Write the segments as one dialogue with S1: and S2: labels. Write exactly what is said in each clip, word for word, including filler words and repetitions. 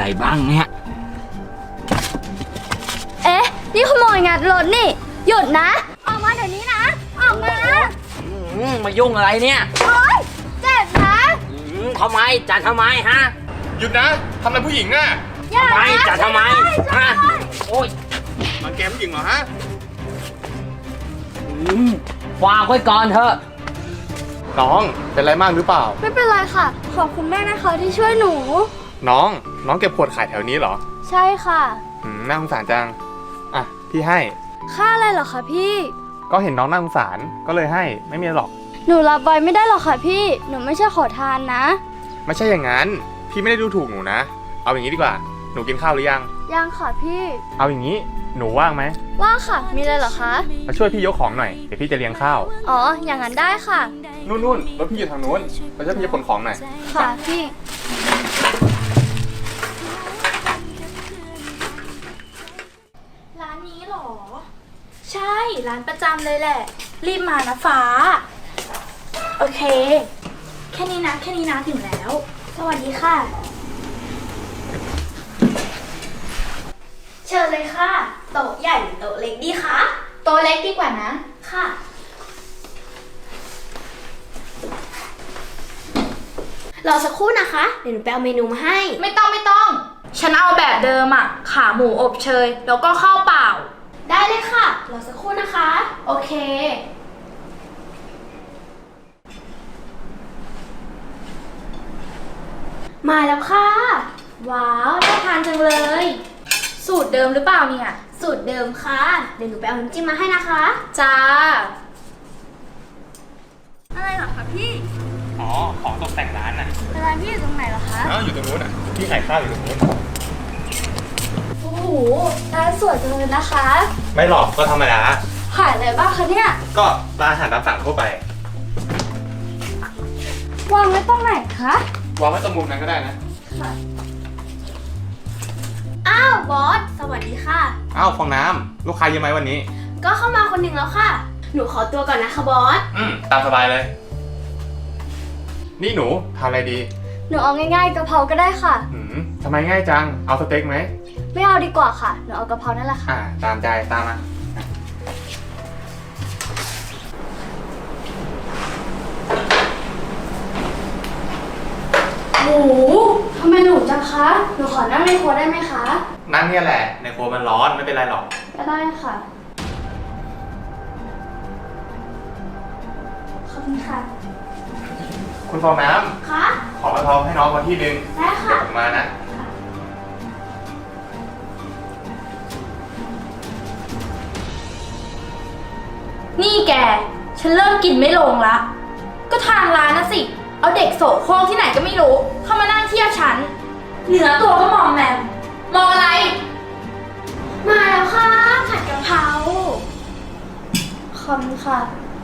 S1: บ้างเนี่ย
S2: เอ๊ะนี่ขโมยงัดรถนี่หยุดนะออกมาเดี๋ยวนี้นะออกมา
S1: มายุ่งอะไรเนี่ย
S2: โอ๊ยเจ็บนะ
S1: ทำไมจัดทำไมฮะ
S3: หยุดนะทำอะไรผู้หญิงอ่ะ
S2: อย่า
S1: ทำไมจัดทำไมฮะโอ้ย
S3: มันแกผู้หญิงเหรอฮะ
S1: ฝากไว้ก่อนเถอะ
S3: น้องเป็นไรมากหรือเปล่า
S2: ไม่เป็นไรค่ะขอบคุณแม่นะคะที่ช่วยหนู
S3: น้องน้องเก็บขวดขายแถวนี้เหรอ
S2: ใช่ค่ะ
S3: อืมน่าสงสารจังอ่ะพี่ให้
S2: ค่าอะไรเหรอคะพี่
S3: ก็เห็นน้องน่าสงสารก็เลยให้ไม่มีหรอก
S2: หนูรับไว้ไม่ได้หรอกค่ะพี่หนูไม่ใช่ขอทานนะ
S3: ไม่ใช่อย่างนั้นพี่ไม่ได้ดูถูกหนูนะเอาอย่างนี้ดีกว่าหนูกินข้าวหรือยัง
S2: ยังค่ะพี่
S3: เอาอย่างนี้หนูว่างไหม
S2: ว่างค่ะมีอะไรเหรอคะ
S3: มาช่วยพี่ยกของหน่อยเดี๋ยวพี่จะเลี้ยงข้าว
S2: อ๋ออย่างนั้นได้ค่ะ
S3: นู่นนู่นรถพี่อยู่ทางนู้นมาช่วยพี่ยกขนของหน่อย
S2: ค่ะพี่
S4: ร้านนี้หรอใช่ร้านประจำเลยแหละรีบมานะฟ้าโอเคแค่นี้นะแค่นี้นะถึงแล้วสวัสดีค่ะเชิญเลยค่ะโต๊ะใหญ่หรือโต๊ะเล็กดีคะโต๊ะเล็กดีกว่านะค่ะรอสักครู่นะคะเดี๋ยวหนูไปเอาเมนูมาให้ไม่ต้องไม่ต้องฉันเอาแบบเดิมอะขาหมูอบเชยแล้วก็ข้าวเปล่าได้เลยค่ะรอสักครู่นะคะโอเคมาแล้วค่ะว้าวน่าทานจังเลยสูตรเดิมหรือเปล่าเนี่ยสูตรเดิมค่ะเดี๋ยวหนูไปเอาน้ำจิ้มมาให้นะคะจ้า
S2: อะไรเหรอคะพี่
S3: อ๋อของตกแต่งร้านน่ะ
S2: ร้านพี่อยู่ตรงไหนเหรอคะ
S3: อ๋ออยู่ตรงนู้นอ่ะพี่ขายข้าวอยู่ตรงนู้น
S2: โอ้โหร้านสวยจังเลยนะคะ
S3: ไม่หรอกก็ธรรมดา
S2: ขายอะไรบ้างคะเนี่ย
S3: ก็ร้านอาหารตามสั่งทั่วไป
S2: วางไว้ตรงไหนคะ
S3: วางไว้ตรงมุมนั้นก็ได้นะ
S2: ค่ะอ้าวบอสสวัสดีค่ะ
S3: อ้าวฟองน้ำลูกค้าเยอะไหมวันนี้
S4: ก็เข้ามาคนหนึ่งแล้วค่ะหนูขอตัวก่อนนะคะบอส
S3: อืมตามสบายเลยนี่หนูทำอะไรดี
S2: หนูเอาง่ายๆกะเพราก็ได้ค่ะ
S3: อืมทำไมง่ายจังเอาสเต็กไหม
S2: ไม่เอาดีกว่าค่ะหนูเอากะเพรานั่นแหละค่ะ
S3: อ่าตามใจตามมา
S2: โอ้โหทำไมหนูจังคะหนูขอนั่งในครัวได้ไหมคะ
S3: นั่นเนี่ยแหละในครัวมันร้อนไม่เป็นไรหรอก
S2: ก็ได้ค่ะขอบคุณค่ะ
S3: คุณฟองน้ำ
S4: คะ
S3: ขอกะเพราให้น้องมาที่นึง
S4: ได้ค่ะ
S3: เดี๋ยวผมมานะ
S4: นี่แกฉันเริ่มกินไม่ลงละก็ทางร้านนะสิเอาเด็กโสโครกที่ไหนก็ไม่รู้เข้ามานั่งเทียบฉันเหนือตัวก็มองแมมมองอะไรมาแล้วค่ะผัดกะเพรา
S2: ขอบคุณค่ะ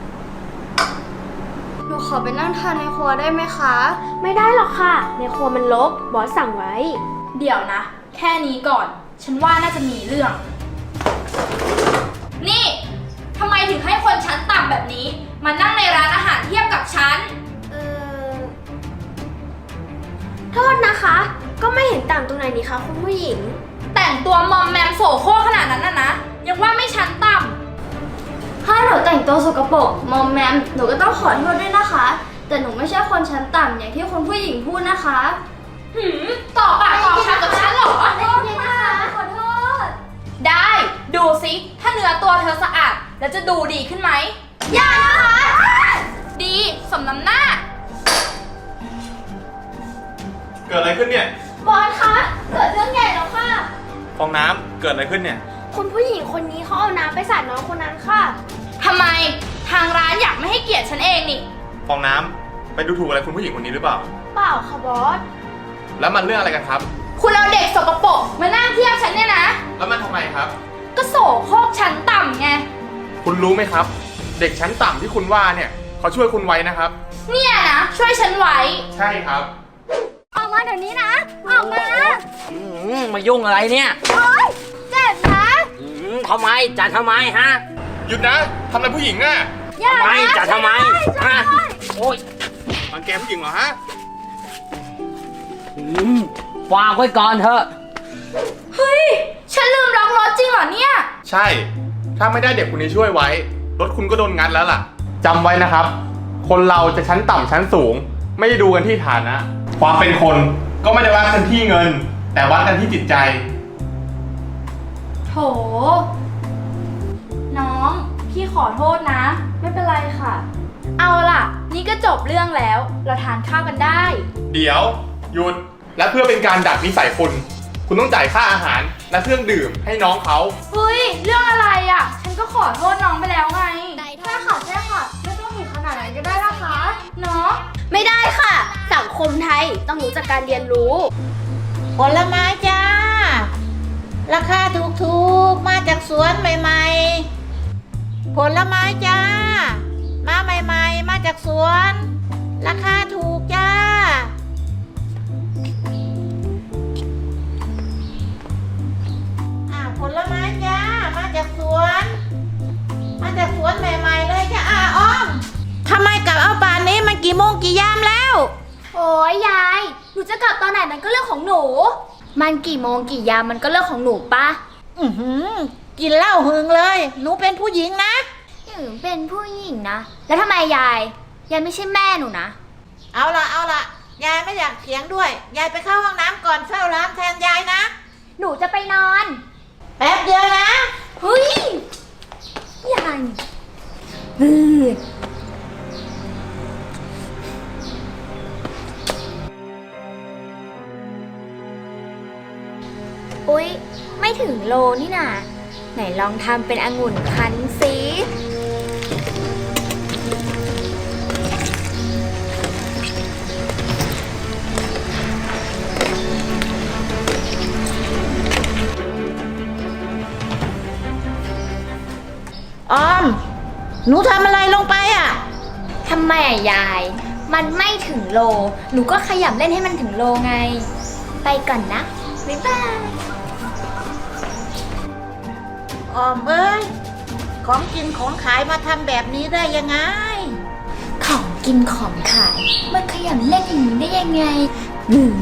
S2: หนูขอไปนั่งทานในครัวได้ไหมคะ
S4: ไม่ได้หรอกค่ะในครัวมันรกบอสสั่งไว้เดี๋ยวนะแค่นี้ก่อนฉันว่าน่าจะมีเรื่องนี่ทำไมถึงให้คนชั้นต่ำแบบนี้มานั่งในร้านอาหารเทียบกับฉันเออโทษนะคะก็ไม่เห็นต่างตรงไหนนี่คะคุณผู้หญิงแต่งตัวมอมแมมโสโครกขนาดนั้นน่ะนะยังว่าไม่ชั้นต่ำ
S2: ถ้าหนูแต่งตัวสกปรกมอมแมมหนูก็ต้องขอโทษด้วยนะคะแต่หนูไม่ใช่คนชั้นต่ำอย่างที่คุณผู้หญิงพูดนะคะ
S4: หืมต่อปากต่อคำกับฉันเหรอ
S2: ขอโทษนะคะขอโทษ
S4: ได้ดูสิถ้าเนื้อตัวเธอสะอาดแล้วจะดูดีขึ้นไหมอย่านะคะดีสมน้ำหน้า
S3: เกิดอะไรขึ้นเนี่ย
S4: บอสคะเกิดเรื่องใหญ่แล้วค่ะ
S3: ฟองน้ำเกิดอะไรขึ้นเนี่ย
S4: คุณผู้หญิงคนนี้เขาเอาน้ำไปสาดน้องคนนั้นค่ะทำไมทางร้านอยากไม่ให้เกียรติฉันเองนี่
S3: ฟองน้ำไปดูถูกอะไรคุณผู้หญิงคนนี้หรือเปล่า
S4: เปล่าค่ะบอส
S3: แล้วมันเรื่องอะไรกันครับ
S4: คุณเอาเด็กสกปรกมานั่งเทียบฉันเนี่ยนะ
S3: แล้วมันทำไมครับ
S4: ก็โสโครกชั้นต่ำไง
S3: คุณรู้ไหมครับเด็กชั้นต่ำที่คุณว่าเนี่ยเขาช่วยคุณไว้นะครับ
S4: เนี่ยนะช่วยฉันไว้
S3: ใช่ครับ
S2: ออกมาเดี๋ยวนี้นะออกมา
S1: มายุ่งอะไรเนี่ย
S2: โอ๊ยเจ็บนะ
S1: ทำไมจัดทำไมฮะ
S3: หยุดนะทำอะไรผู้หญิงอ่ะ
S2: อย่า
S1: ทำไมจัดทำไมฮะโอ๊ย
S3: มันแกผู้หญิงเหรอฮะ
S1: ฝากไว้ก่อนเถอะ
S4: เฮ้ย ฉันลืมล็อกรถจริงเหรอเนี่ย
S3: ใช่ ถ้าไม่ได้เด็กคนนี้ช่วยไว้ รถคุณก็โดนงัดแล้วล่ะจำไว้นะครับ คนเราจะชั้นต่ำชั้นสูง ไม่ได้ดูกันที่ฐานะ ความเป็นคนก็ไม่ได้วัดกันที่เงิน แต่วัดกันที่จิตใจ
S4: โถ น้อง พี่ขอโทษนะ
S2: ไม่เป็นไรค่ะ
S4: เอาล่ะ นี่ก็จบเรื่องแล้ว เราทานข้าวกันได้
S3: เดี๋ยวหยุดและเพื่อเป็นการดัดนิสัยคุณ คุณต้องจ่ายค่าอาหารและเครื่องดื่มให้น้องเขา
S4: เฮ้ย เรื่องอะไรอ่ะ ฉันก็ขอโทษน้องไปแล้วไง
S2: ใช่ค่ะใช่ค่ะ ไม่ต้องถึงขนาดนั้นก็ได้นะคะ
S4: เนาะ
S2: ไม่ได้ค่ะ สังคมไทยต้องรู้จักการเรียนรู้
S5: ผลไม้จ้า ราคาถูกๆ มาจากสวนใหม่ๆ ผลไม้จ้า มาใหม่ๆ มาจากสวน ราคาถูกจ้า อ่าผลไม้จ้า มาจากสวน มาจากสวนใหม่ๆ เลยจ้าอาอ้อมทำไมกลับเอาป่านนี้มันกี่โมงกี่ยามแล้ว
S2: โอ้ยยาย หนูจะกลับตอนไหนมันก็เรื่องของหนู มันกี่โมงกี่ยามมันก็เรื่องของหนูปะ
S5: อือหือ กินเหล้าหึงเลย หนูเป็นผู้หญิงนะ
S2: หนูเป็นผู้หญิงนะ แล้วทำไมยาย ยายไม่ใช่แม่หนูนะ
S5: เอาละเอาละยายไม่อยากเถียงด้วย ยายไปเข้าห้องน้ำก่อนเฝ้าร้านแทนยายนะ
S2: หนูจะไปนอน
S5: แป๊บเดียวนะ
S2: เฮ้ยยายบืดอุ๊ย ไม่ถึงโลนี่นาไหนลองทำเป็นองุ่นคั้นสิ
S5: ออม หนูทำอะไรลงไปอ่ะ
S2: ทำไมอะยาย มันไม่ถึงโล หนูก็ขยับเล่นให้มันถึงโลไง ไปก่อนนะ บ๊ายบาย
S5: ออมเอ้ย ของกินของขายมาทำแบบนี้ได้ยังไง
S2: ของกินของขายมันขยันเล่นอย่างนี้ได้ยังไงอืม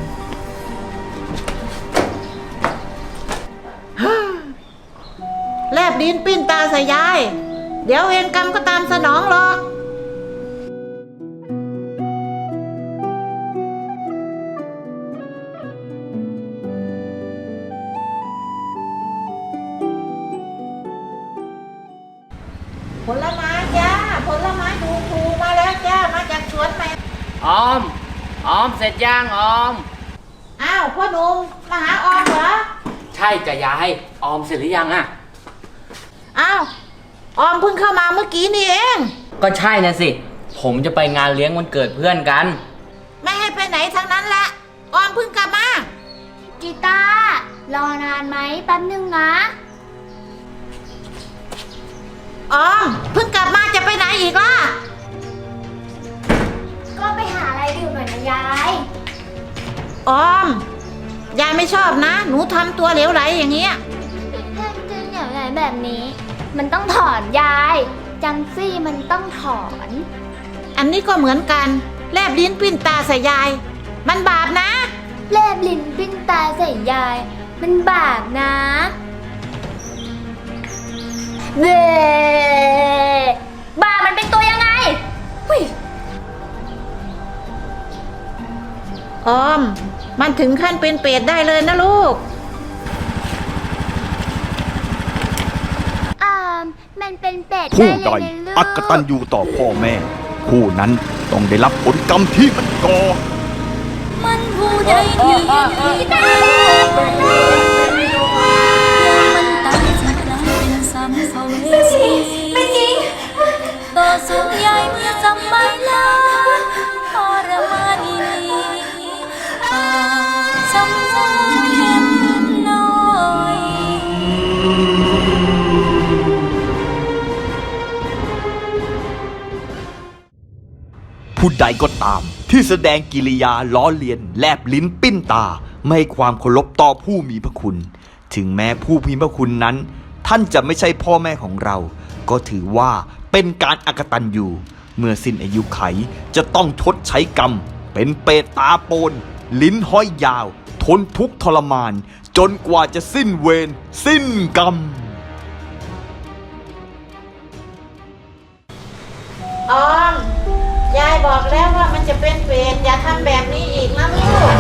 S5: แลบดินปิ้นตาใส่ยาย เดี๋ยวเวรกรรมก็ตามสนองหรอก ผลไม้จ้า ผลไม้ถูกๆมาแล้วจ้า มาจากสวนใหม่
S1: ออม ออมเสร็จย่างออม
S5: อ้าวพ่อหนุ่มมาหาออมเหรอ
S1: ใช่จ้ะยาย ออมเสร็จหรือยังอะ
S5: อ้าว ออมเพิ่งเข้ามาเมื่อกี้นี่เอง
S1: ก็ใช่นะสิ ผมจะไปงานเลี้ยงวันเกิดเพื่อนกัน
S5: ไม่ให้ไปไหนทั้งนั้นแหละ ออมเพิ่งกลับมา
S2: กีตาร์รอนานไหมแป๊บนึงนะ
S5: ออมเพิ่งกลับมาจะไปไหนอีกล่ะ
S2: ก็ไปหาอะไรดื่มหน่อยนะยาย
S5: ออม ยายไม่ชอบนะ หนูทำตัวเหลวไหลอย่างเงี้ย
S2: ทำจนอย่างไรแบบนี้ มันต้องถอนยาย จังซี่มันต้องถอน
S5: อันนี้ก็เหมือนกัน แลบลิ้นปิ้นตาใส่ยาย มันบาปนะ
S2: แลบลิ้นปิ้นตาใส่ยาย มันบาปนะเบ้บาปมันเป็นตัวยังไงหุ้ย
S5: ออม มันถึงขั้นเป็นเปรตได้เลยนะลูก
S2: อ่ามมันเป็นเป็ด
S6: ผู้
S2: ได้
S6: ใด
S2: เลยนะลูก
S6: อักตันยูต่อพ่อแม่ ผู้นั้นต้องได้รับผลกรรมที่มันก่อ
S4: มันผู้ใดที่ดีตามันตายจากกลายเป็นซ้ำเสาเวสีไม่จริงต่อสู้ใหญ่เมื่อจำไม่ลาทรมานอีนีปากจำใจเย็นน้อย
S6: ผู้ใดก็ตามที่แสดงกิริยาล้อเลียนแลบลิ้นปิ้นตา ไม่ให้ความเคารพต่อผู้มีพระคุณ ถึงแม้ผู้มีพระคุณนั้น ท่านจะไม่ใช่พ่อแม่ของเรา ก็ถือว่าเป็นการอกตัญญูเมื่อสิ้นอายุไขจะต้องชดใช้กรรม เป็นเปรตตาโปน ลิ้นห้อยยาวทนทุกข์ทรมาน จนกว่าจะสิ้นเวรสิ้นกรรม
S5: ออม ยายบอกแล้วว่ามันจะเป็นเวรอย่าทำแบบนี้อีกนะลูก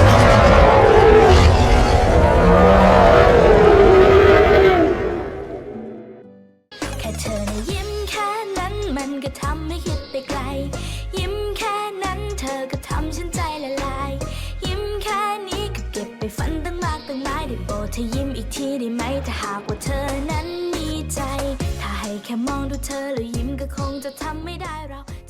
S7: แค่เธอนะยิ้มแค่นั้นมันก็ทำให้คิดไปไกล ยิ้มแค่นั้นเธอก็ทำฉันใจละลาย ยิ้มแค่นี้ก็เก็บไปฝันตั้งมากตั้งหลายได้โปรดเธอยิ้มอีกทีได้ไหมถ้าหากว่าเธอนั้นมีใจ ถ้าให้แค่มองดูเธอแล้วยิ้มก็คงจะทำไม่ได้เรา